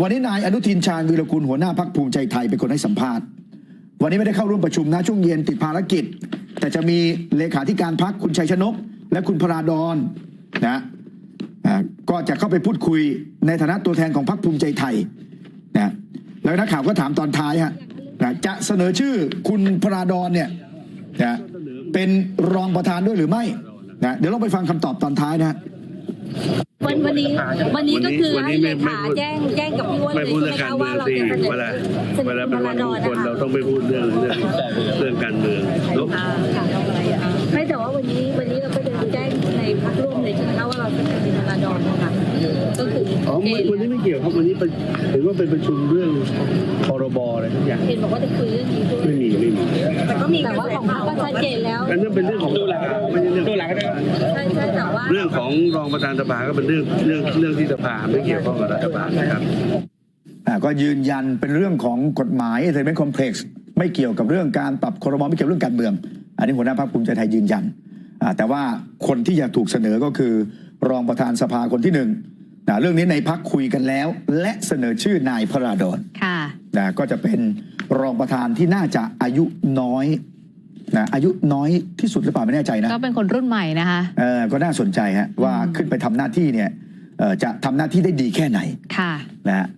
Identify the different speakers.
Speaker 1: วันนี้นายอนุทินชาญวีรกูลหัวหน้าพรรคภูมิใจไทยเป็นคนให้สัมภาษณ์วันนี้ไม่ได้เข้าร่วมประชุมนะช่วงเย็นติดภารกิจแต่จะมีเลขาธิการพรรคคุณชัยชนกและคุณพราดอนนะก็จะเข้าไปพูดคุยในฐานะตัวแทนของพรรคภูมิใจไทยนะแล้วนักข่าวก็ถามตอนท้ายฮะจะเสนอชื่อคุณพราดอนเนี่ยนะเป็นรองประธานด้วยหรือไม่นะเดี๋ยวเราไปฟังคำตอบตอนท้ายนะ
Speaker 2: วันนี้ก็คือให้เลขาแจ้งกับพี่อ้วนเลยใช่ไหมคะว่าเราจะเสนอ
Speaker 3: เวลาเป็นวันมงคลเราต้องไม่พูดเรื่องการเมือง
Speaker 2: ไม่แต่ว่าวันนี้เราก็จะแจ้งในพรรคร่วมเลยใช่ไหมคะว่าเราจะเป็นพราดอนนะคะก็คือ
Speaker 3: วันนี้ไม่เกี่ยวครับวันนี้เห็นว่าเป็นประชุมเรื่องพรบอะไรทุกอย่าง
Speaker 2: เห็นบอกว่าจะคุยเรื่องนี้ด้วย
Speaker 3: ไม่มี
Speaker 2: แต่ว่าของพรรคก็ชัดเจนแล้ว
Speaker 3: นั่นเป็นเรื่องของไม่ใช่เรื่อง
Speaker 2: ใช่แต่ว่า
Speaker 3: เรื่องของรองประธานสภาก็เป็นเรื่องที่สภาไม่เกี่ยวข้องกับรัฐบาลนะครับ
Speaker 1: ก็ยืนยันเป็นเรื่องของกฎหมายเซเว่นคอมเพล็กซ์ไม่เกี่ยวกับเรื่องการปรับครม.ไม่เกี่ยวเรื่องการเมืองอันนี้หัวหน้าพรรคภูมิใจไทยยืนยันแต่ว่าคนที่อยากถูกเสนอก็คือรองประธานสภาคนที่หนึ่งเรื่องนี้ในพรรคคุยกันแล้วและเสนอชื่อนายพราดอนก็จะเป็นรองประธานที่น่าจะอายุน้อยอายุน้อยที่สุดหรือเปล่าไม่แน่ใจนะ
Speaker 4: ก็เป็นคนรุ่นใหม่นะคะ
Speaker 1: ก็น่าสนใจฮะว่าขึ้นไปทำหน้าที่เนี่ยจะทำหน้าที่ได้ดีแค่ไหนนะ